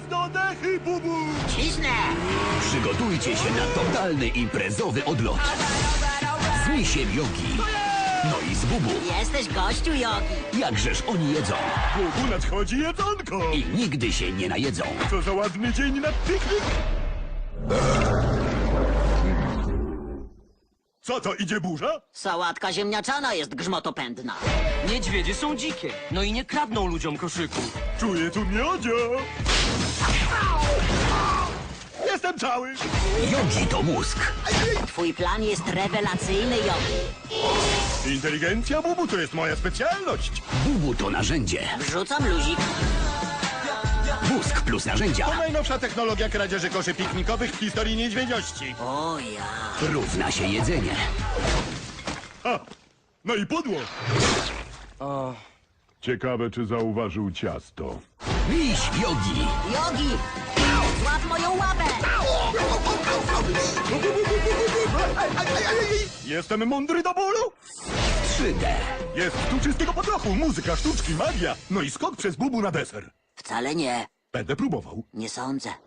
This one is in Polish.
Mocno dechy, bubu! Cisnę! Przygotujcie się na totalny imprezowy odlot. Z misiem jogi. No i z bubu. Jesteś gościu, Jogi. Jakżeż oni jedzą Bubu, nadchodzi jedzonko! i nigdy się nie najedzą. Co za ładny dzień na piknik! Co to, idzie burza? Sałatka ziemniaczana jest grzmotopędna. Niedźwiedzie są dzikie, no i nie kradną ludziom koszyków. Czuję tu miodzio! Jestem cały! Jogi to mózg. Twój plan jest rewelacyjny, Jogi. Inteligencja, bubu, to jest moja specjalność! Bubu to narzędzie. Wrzucam luzik. Mózg plus narzędzia To najnowsza technologia kradzieży koszy piknikowych w historii niedźwiedziości. O ja. równa się jedzenie. Ha! No i pudło! O, Ciekawe, czy zauważył ciasto. Miś jogi. Jogi! Złap moją łapę! Jestem mądry do bólu? 3D. Jest tu czystego potrochu, muzyka, sztuczki, magia. No i skok przez bubu na deser. Wcale nie. Będę próbował. Nie sądzę.